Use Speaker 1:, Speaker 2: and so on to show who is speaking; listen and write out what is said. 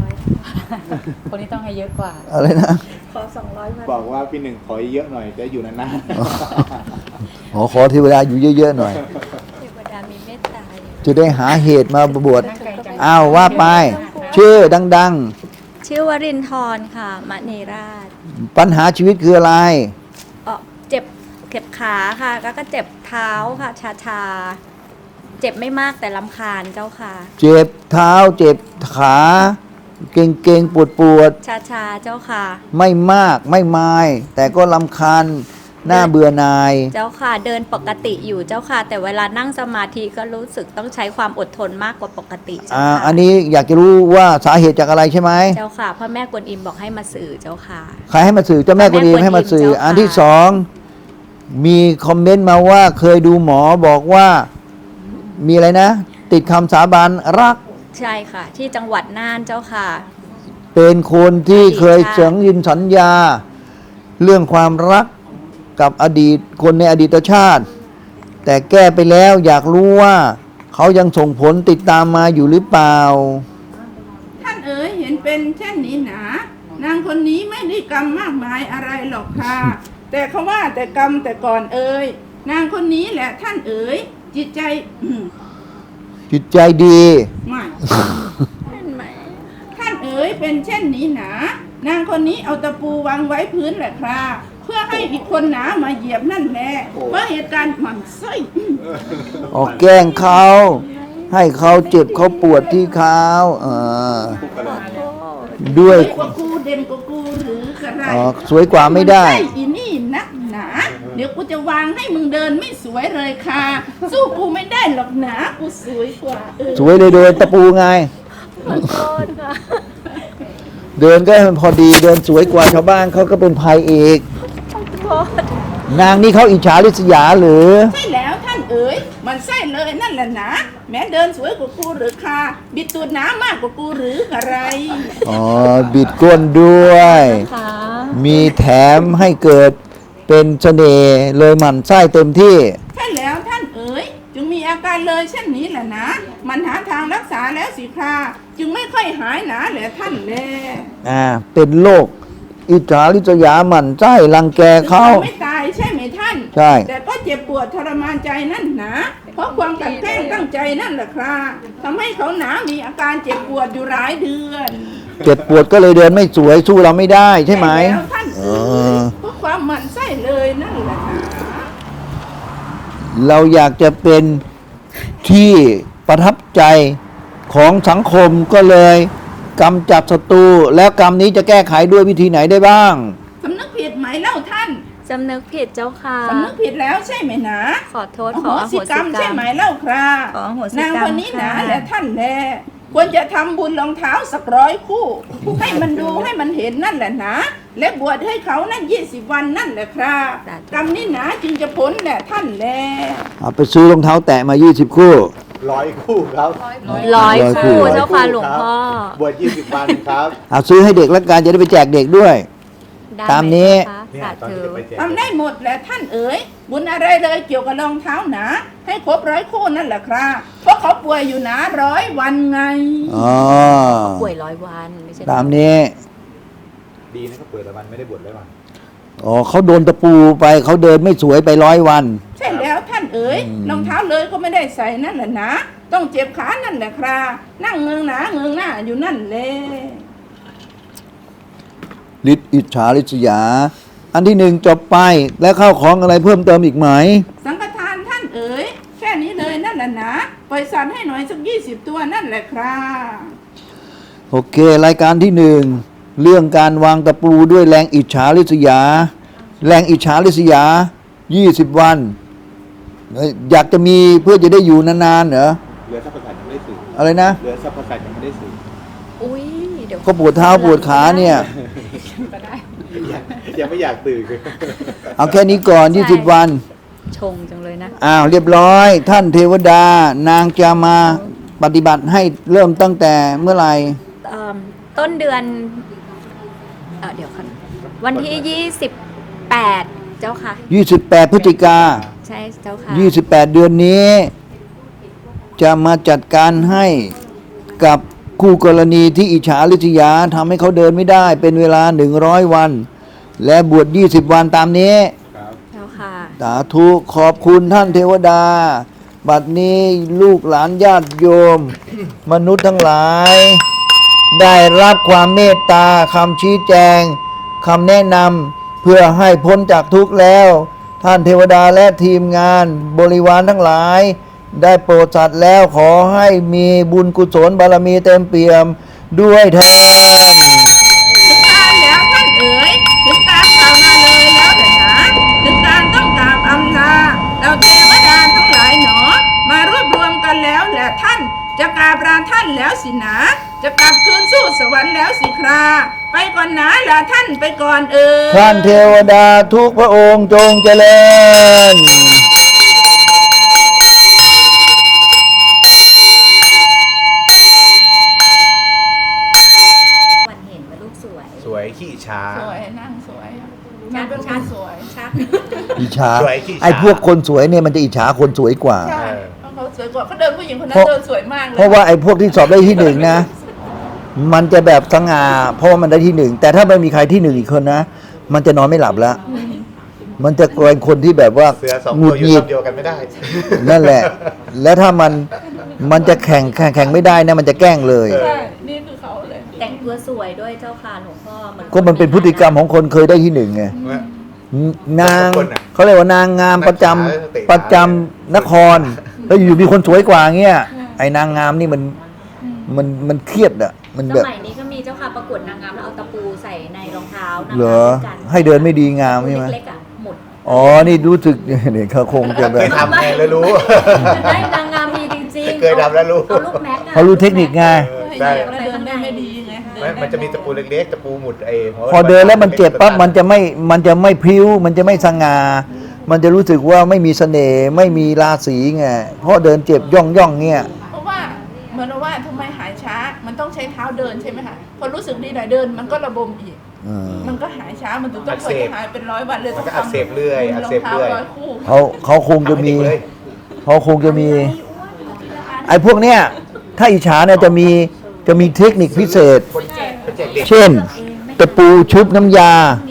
Speaker 1: คนนี้ต้องให้เยอะกว่า
Speaker 2: อะไรนะ
Speaker 3: ขอ200วัน
Speaker 4: บอกว่าพี่หนึ่งขอเยอะหน่อยจะอยู่นาน
Speaker 2: ขอเทวดาอยู่เยอะๆหน่อย
Speaker 3: เทวดามีเมตตา
Speaker 2: จะได้หาเหตุมาบวช
Speaker 1: ตั้งใจจัง
Speaker 2: อ้าวว่าไป ชื่อดัง
Speaker 3: ชื่อวรินทร์ค่ะมณีราช
Speaker 2: ๆ ปัญหาชีวิตคืออะไร
Speaker 3: เจ็บขาค่ะแล้วก็เจ็บเท้าค่ะชาเจ็บไม่มากแต่รำคาญเจ้าค่ะ
Speaker 2: เจ็บเท้าเจ็บขาเก่งๆปวด
Speaker 3: ชาเจ้าค่ะ
Speaker 2: ๆไม่มากไม่มาย แต่ก็รำคาญหน้าเบื่อหน่าย
Speaker 3: เจ้าค่ะเดินปกติอยู่เจ้าค่ะ แต่เวลานั่งสมาธิก็รู้สึกต้องใช้ความอดทนมากกว่าปกติเจ้าค่ะ
Speaker 2: อันนี้อยากจะรู้ว่าสาเหตุจากอะไรใช่ไหม
Speaker 3: เจ้าค่ะพ่อแม่กวนอิมบอกให้มาสื่อเจ้าค่ะ
Speaker 2: ใครให้มาสื่อเจ้าแม่กวนอิมให้มาสื่อ
Speaker 3: เจ้าค่ะ
Speaker 2: อันที่สองมีคอมเมนต์มาว่าเคยดูหมอบอกว่ามีอะไรนะ ติดคำสาบานรัก
Speaker 3: ใช่ค่ะ ที่จังหวัดน่านเจ้าค่ะ
Speaker 2: เป็นคนที่เคย
Speaker 3: อดีตชาติ
Speaker 2: เสังยินสัญญา เรื่องความรักกับอดีตคนในอดีตชาติ แต่แก้ไปแล้วอยากรู้ว่าเขายังส่งผลติดตามมาอยู่หรือเปล่า
Speaker 5: ท่านเอ๋ยเห็นเป็นเช่นนี้หนานางคนนี้ไม่ได้กรรมมากมายอะไรหรอกค่ะ แต่เขาว่าแต่กรรมแต่ก่อนเอ๋ยนางคนนี้แหละท่านเอ๋ยจิตใจ
Speaker 2: จิตใจดี
Speaker 5: ไม่
Speaker 3: เห็นไหม
Speaker 5: ท่านเอ๋ยเป็นเช่นนี้หนานางคนนี้เอาตะปูวางไว้พื้นแหละค่ะเพื่อให้อีกคนหนามาเหยียบนั่นแหละเพราะเหตุการณ์หมั่นไส้
Speaker 2: ออกแกล้งเขาให้เขาเจ็บเขาปวดที่เขาด้วย
Speaker 5: สวยกว่ากูเด่นกว่ากูหรือกระไร
Speaker 2: สวยกว่าไม่ได้
Speaker 5: นใช่อีนี่นักหนาเดี๋ยวกูจะวางให้มึงเดินไม่สวยเลยค่ะ สู้กูไม่ได้หรอกหนากูสวยกว่า
Speaker 2: สวยเลยเดินตะปูไง
Speaker 3: ขอโทษค่ะ
Speaker 2: เดินก็พอดีเดินสวยกว่าชาวบ้านเขาก็เป็นภัยอีก
Speaker 3: ขอโทษ
Speaker 2: นางนี่เขาอิจฉาริษยาหรือ
Speaker 5: ใช่แล้วท่านเอ๋ยมันใช่เลยนั่นแหละนะแม้เดินสวยกว่ากูหรือค่ะบิดตูดหนามากกว่ากูหรืออะไร
Speaker 2: อ๋อ บิดก้นด้วย
Speaker 3: ค่ะ
Speaker 2: มีแถมให้เกิดเป็นเสน่ห์เลยหมั่นไส้เต็มที่
Speaker 5: ใช่แล้วท่านเอ๋ยจึงมีอาการเลยเช่นนี้แหละนะมันหาทางรักษาแล้วสิค่ะจึงไม่ค่อยหายหนาแหละท่านแล
Speaker 2: เป็นโรคอิจฉาริษยาหมั่นไส้รังแกเขา
Speaker 5: ไม่ตายใช่ไหมท่าน
Speaker 2: ใช่
Speaker 5: แต่ก็เจ็บปวดทรมานใจนั่นหนาเพราะความกลั่นแกล้งตั้งใจนั่นแหละครับทำให้เขาหนามีอาการเจ็บปวดอยู่หลายเดือน
Speaker 2: เจ็บปวดก็เลยเดินไม่สวยสู้เราไม่ได้ใช่ไหม
Speaker 5: แล้วท่านเอ๋ยเพราะความหมั่นไส้เลยนั่นแหละนะ
Speaker 2: เราอยากจะเป็นที่ประทับใจของสังคมก็เลยกำจัดศัตรูแล้วกรรมนี้จะแก้ไขด้วยวิธีไหนได้บ้าง
Speaker 5: สำนึกผิดไหมเล่าท่าน
Speaker 3: สำนึกผิดเจ้าค่ะ
Speaker 5: สำนึกผิดแล้วใช่ไหมนะ
Speaker 3: ขอโทษ
Speaker 5: อ
Speaker 3: ข
Speaker 5: โห
Speaker 3: ออโห
Speaker 5: สิ
Speaker 3: สิ
Speaker 5: กรรม
Speaker 3: กร
Speaker 5: ใช่
Speaker 3: รม
Speaker 5: ไหมเล่าครับ
Speaker 3: ขออโหสิกรรม
Speaker 5: นางคนนี้นะ
Speaker 3: ค่ะ
Speaker 5: และท่านแลควรจะทำบุญรองเท้าสัก100 คู่ ให้มันดูให้มันเห็นนั่นแหละนะและบวชให้เขานั่น20 วันนั่นแหละครับกรรมนี้นะจึงจะพ้นแหละท่านแล
Speaker 2: เอาไปซื้อรองเท้าแตะมา20 คู่
Speaker 4: 100 คู่ครับ
Speaker 3: ร้อย
Speaker 2: 100
Speaker 3: คู่
Speaker 2: คู่
Speaker 3: เจ้าค่ะหลวงพ่อ
Speaker 4: บวช20 วันครับ
Speaker 2: เอาซื้อให้เด็กแล้วกันจะได้ไปแจกเด็กด้วย
Speaker 3: ได้
Speaker 2: ตามนี้
Speaker 3: ไห
Speaker 4: เนี่ย
Speaker 3: เจ้า
Speaker 4: ตอน
Speaker 3: คะ
Speaker 4: นี้จะไปแจก
Speaker 5: ทำได้หมดแหละท่านเอ๋ยบุญอะไรเลยเกี่ยวกับรองเท้าหนาให้ครบ100 คู่นั่นแหละครับเพราะเขาป่วยอยู่นะ100 วันไง
Speaker 2: อ๋อ
Speaker 3: ป่วย100 วันไม่ใช่
Speaker 2: ตามนี้
Speaker 4: ดีนะครับเปิดละวันไม่ได้บวชเลยวัน
Speaker 2: อ๋อเขาโดนตะปูไปเขาเดินไม่สวยไป100 วัน
Speaker 5: ใช่แล้วท่านเอ๋ยรองเท้าเลยก็ไม่ได้ใส่นั่นแหละนะต้องเจ็บขานั่นแหละครับนั่งเงืองหนาเงืองหน้าอยู่นั่นแหละ
Speaker 2: ฤทธิ์อิจฉาริษยา อันที่หนึ่งจบไปแล้วเข้าของอะไรเพิ่มเติมอีกไหม
Speaker 5: สังฆทานท่านเอ๋ยแค่นี้เลยนั่นแหละนะปล่อยสัตว์ให้หน่อยสัก20 ตัวนั่นแหละครับ
Speaker 2: โอเค รายการที่หนึ่งเรื่องการวางตะปูด้วยแรงอิจฉาริษยา แรงอิจฉาริษยา20 วันอยากจะมีเพื่อจะได้อยู่นานๆเหรอ
Speaker 4: เรือสัพพสัตยังไม่ได้สื่อ
Speaker 2: อะไรนะ
Speaker 4: เรือสัพพสัตยังไม่ได้สื่อ
Speaker 3: อุ้ยเดี๋ยว
Speaker 2: ก็ปวดเท้าปวดขาเนี่ย
Speaker 4: ยังไม่อยากตื่นเลย
Speaker 2: เอาแค่นี้ก่อน20 วัน
Speaker 3: ชงจังเลยนะ
Speaker 2: อ้าวเรียบร้อย ท่านเทวดานางจะมาปฏิบัติให้เริ่มตั้งแต่เมื่อไหร่
Speaker 3: ต้นเดือนเดี๋ยวค่ะวันที่ 28 เจ้าค่ะ
Speaker 2: 28 พฤศจิกา
Speaker 3: ใช่เจ้าค่ะ
Speaker 2: 28 เดือนนี้ จะมาจัดการให้กับคู่กรณีที่อิจฉาริษยาทำให้เขาเดินไม่ได้เป็นเวลา100 วัน และบวช20 วันตามนี้
Speaker 4: ครับ
Speaker 3: เจ้าค่ะ
Speaker 2: สาธุขอบคุณท่านเทวดา บัดนี้ลูกหลานญาติโยม มนุษย์ทั้งหลาย ได้รับความเมตตาคำชี้แจงคำแนะนำเพื่อให้พ้นจากทุกข์แล้ว ท่านเทวดาและทีมงานบริวารทั้งหลาย ได้โปรดสัตว์แล้วขอให้มีบุญกุศลบารมีเต็มเปี่ยมด้วยเถิด
Speaker 5: ถึงการแล้วท่านเอ๋ยถึงการกล่าวมาเลยแล้วแต่หนาถึงการต้องกราบอำลาเราเทวดาทั้งหลายหนอ มารวบรวมกันแล้วแหละท่านจะกราบลาท่านแล้วสินะจะกลับคืนสู่สวรรค์แล้วสิคราไปก่อนนะลาท่านไปก่อนเอ๋ย
Speaker 2: ท่านเทวดาทุกพระองค์จงเจริญ
Speaker 3: วันเห็นว่าลูกสวย
Speaker 4: สวยขี้ช้า
Speaker 5: สวยนั่งสวยนั่งเป็นคนสวย
Speaker 3: ชัด
Speaker 2: อิจฉา
Speaker 4: สวยขี้ฉา
Speaker 2: ไอ้พวกคนสวยเนี่ยมันจะอิจฉาคนสวยกว่า
Speaker 5: ใช่เพราะเขาสวยกว่าเขาเดินผู้หญิงคนนั้
Speaker 2: เพ
Speaker 5: น
Speaker 2: ราะ
Speaker 5: เดินสวยมากเลย
Speaker 2: เพราะว่าไอ้พวกที่สอบได้ที่หนึ่งนะ มันจะแบบสง่าเพราะว่ามันได้ที่หนึ่งแต่ถ้าไม่มีใครที่หนึ่งอีกคนนะ มันจะนอนไม่หลับแล้ว มันจะเป็นคนที่แบบว่า
Speaker 4: เสือสอง
Speaker 2: หงุ
Speaker 4: ตัว
Speaker 2: ด
Speaker 4: อยู่
Speaker 2: หงิ
Speaker 4: ล
Speaker 2: ด
Speaker 4: ำเดียวกันไม่ได้
Speaker 2: นั่นแหละ แล้วถ้ามันจะแข่งไม่ได้นะมันจะแกล้งเลย
Speaker 5: ใช่นี่คือเขาเลย
Speaker 3: แต่งตัวสวยด้วยเจ้าค่ะหลวงพ่อเหมือน
Speaker 2: ก็มันเป็นพฤติกรรมของคนเคยได้ที่หนึ่งไงนาง
Speaker 4: คนน่ะ
Speaker 2: เขาเรียกว่านางงามประจำ
Speaker 4: นักขาเตะขา
Speaker 2: ประจำนคร แล้วอยู่มีคนสวยกว่าเงี้ยไอ้นางงามนี่มันเครียดอ่ะมัน
Speaker 3: ส
Speaker 2: แบบ
Speaker 3: มัยนี้ก็มีเจ้าค่ะประกวดนางงามแล้วเอาตะปูใส่ในรองเท้านาง
Speaker 2: เหรง
Speaker 3: า
Speaker 2: อ
Speaker 3: มด้วยกัน
Speaker 2: ให้เดินไม่ดีงามใช่ไหม
Speaker 3: เล็กๆอ่ะหมด
Speaker 2: อ๋อนี่รู้สึก เนี่ยเขาคงจะแบ
Speaker 4: เค
Speaker 2: บ
Speaker 4: ยทำไงแล้วรู้
Speaker 3: ได้นางงามมีจริงๆ
Speaker 4: เคยทำแล้วรู้
Speaker 3: เอาลูกแม็กอะ
Speaker 2: เขารู้เทคนิคไง
Speaker 4: ใช่
Speaker 5: เดินได้ไม่ดีไง
Speaker 4: มันจะมีตะปูเล็กๆตะปูหมุดหัว
Speaker 2: พอเดินแล้วมันเจ็บปั๊บมันจะไม่พริ้ว มันจะไม่สง่ามันจะรู้สึกว่าไม่มีเสน่ห์ไม่มีราศีไงเพราะเดินเจ็บย่องเงี้ย
Speaker 5: เพราะว่าเหมือนว่าทำไมหายช้า มันต้องใช้เท้าเดินใช่ไหมคะพอรู้สึกดีหน่อยเดินมันก็ระบมอีก มันก็หายช้ามันถึงต้องคอยหายเป็น100 วันเลย
Speaker 4: มัน
Speaker 5: ต้อง
Speaker 4: ก็อักเสบเรื่อยอักเสบเรื่อย
Speaker 5: รองท้า100 คู่
Speaker 2: เขาคงจะมี
Speaker 4: ทำให้เด็กเลย
Speaker 2: เขาคงจะมี ไอ้พวกเนี้ยถ้าอิจฉาเนี่ยจะมีเทคนิคพิเศษ
Speaker 4: คนแจกเด็ก
Speaker 2: เช่น ตะปูชุบน้ำยา
Speaker 3: ม